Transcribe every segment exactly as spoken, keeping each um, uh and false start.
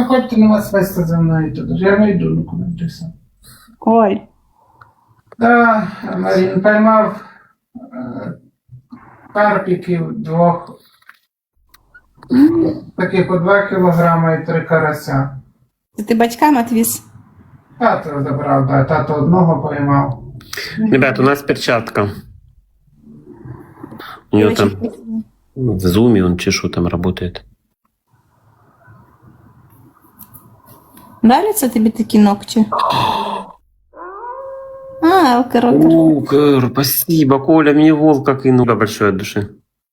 виходьте на вас вести за мною туди. Я не йду нікуди, ти все. Ой. Да, Марін поймав е, карпіків двох, таких по два кілограма і три карася. Це ти батькам відвіз? Тато забрав, да, тато одного поймав. Ребят, у нас перчатка. У него там в зуме он чешу там работает. Нравятся тобі такі ногті? А, алкорокер. О, Кэр, спасибо, Коля, мне волка кинул. Да, большое от души.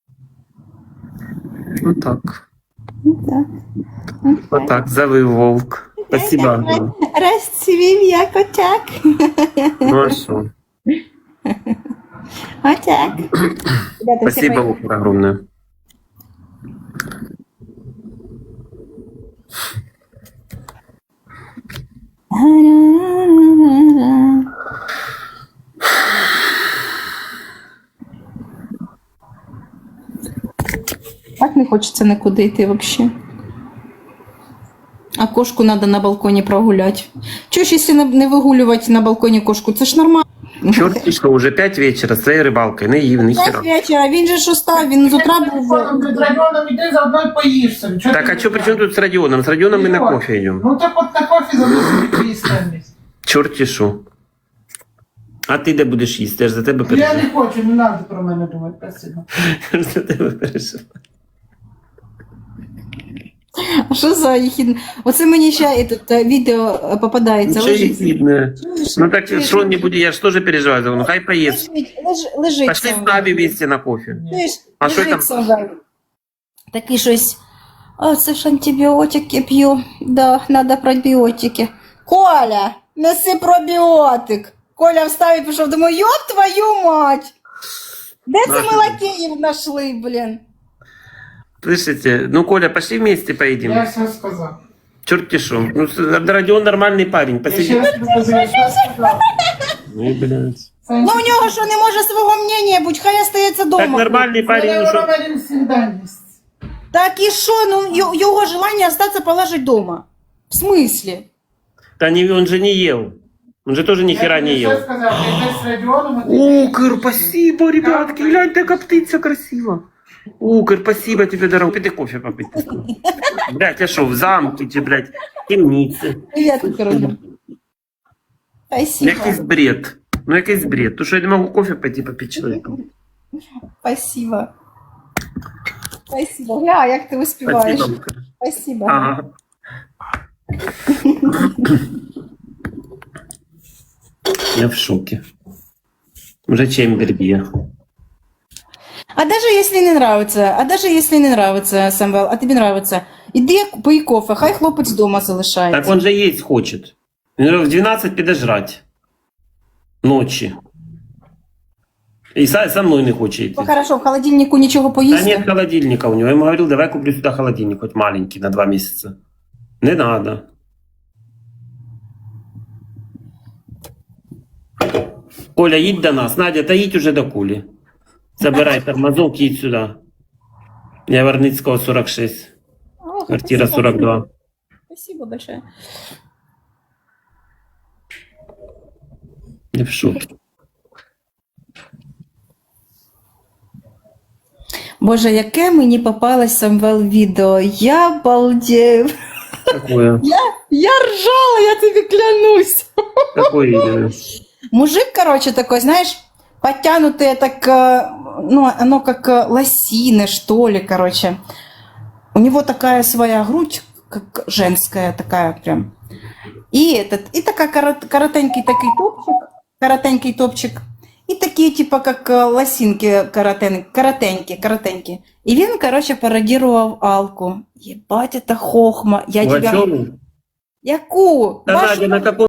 Вот так. Так. Вот так, завыл волк. Спасибо. Розцвів як отяк. Ну а что? Отяк. Спасибо, волк, огромное. Так не хочеться нікуди йти взагалі. А кошку треба на балконі прогуляти. Чого ж, якщо не вигулювати на балконі кошку, це ж нормально. Черт, что уже пять вечера с твоей рыбалкой, наивный П'ять хера. вечора, він же ж устав, він з утра був. Під районом іди, заодно й поїшся. Чого Так, ти а что при чем тут с Родионом? С Родионом мы на кофе идем. Ну так от на кофі залишили їсти. Черти шо. А ти де будеш їсти? Я ж за тебе Я переживаю. не хочу, не треба про мене думати, спасибо. Я ж за тебе переживаю. А що за їхідне? Оце мені ще і тут е, відео е, попадається. Ничего Лежить. видно. Ну так что не будет, я же тоже переживаю за него. Ну хай поест. Лежить, леж- лежить. Пошли там. с нами вместе на кофе. Чуєш? А що Лежить там? Савель. Такий щось. О, це ж антибіотики п'ю. Да, треба пробіотики. Коля, неси пробіотик. Коля встав і пішов, думаю, йоп твою мать! Де це Наша. ми лакеїв знайшли, блін? Слышите? Ну, Коля, пошли вместе поедем. Я все сказав. Черти шо. Ну, с- Родион нормальный парень. Я ще Посиди. раз покажу, я все сказав. Ну, блядь. Ну, у нього що, не може свого мнення бути, хай остається Так дома. нормальный парень, ну что? Роман завжди єсть. Так і що, ну, й- його желання остатися положить дома. В смислі? Да не, он же не ел. Он же тоже ни хера не Я ел. все сказав, я йдеш з Радіоном, а ти... О, Кыр, спасибо, ребятки. Гляньте, как птица красиво. О, Кыр, спасибо тебе, дорогой. Пойди кофе попить. Блядь, я шо, в замке, чи, блядь, в темнице. Привіт, Каролина. Спасибо. Якийсь бред. Ну, якийсь бред. То, що я не можу кофе пойти попити чоловіку. Спасибо. Спасибо. Гля, як ти успіваєш. Спасибо, Кыр. Спасибо. Ага. Я в шоке. Уже чембер бьет. А даже если не нравится, а даже если не нравится, Самвел, а тобі нравится, іди пий кофе, хай хлопець дома залишається. Так он же есть хочет. Він в двенадцать піде жрать. Ночі. І со, со мной не хоче йти. Ну, хорошо, в холодильнику нічого Да поїсти? нет холодильника у него. Я ему говорил, давай куплю сюда холодильник, хоть маленький, на два месяца. Не надо. Коля, їдь до нас. Надя, та їдь уже до Кулі. Забирай тормозок, їдь сюди. Я Варницького сорок шесть. О, Квартира спасибо. сорок два. Спасибо большое. Я в шоке. Боже, яке мені попалось, Самвел, відео. Я балдею. Какое? Я, я ржала, я тобі клянусь. Какое именно? Мужик, короче, такой, знаешь, подтянутый, так, э, ну, оно как э, лосины, что ли, короче. У него такая своя грудь, как женская такая прям. И этот, и такая корот, коротенький такой топчик, коротенький топчик. И такие, типа, как э, лосинки коротен, коротенькие, коротенькие. И він, короче, пародировал Алку. Ебать, это хохма. Я тебя... Вачову? Яку? Да, Вашу- Надя, на каком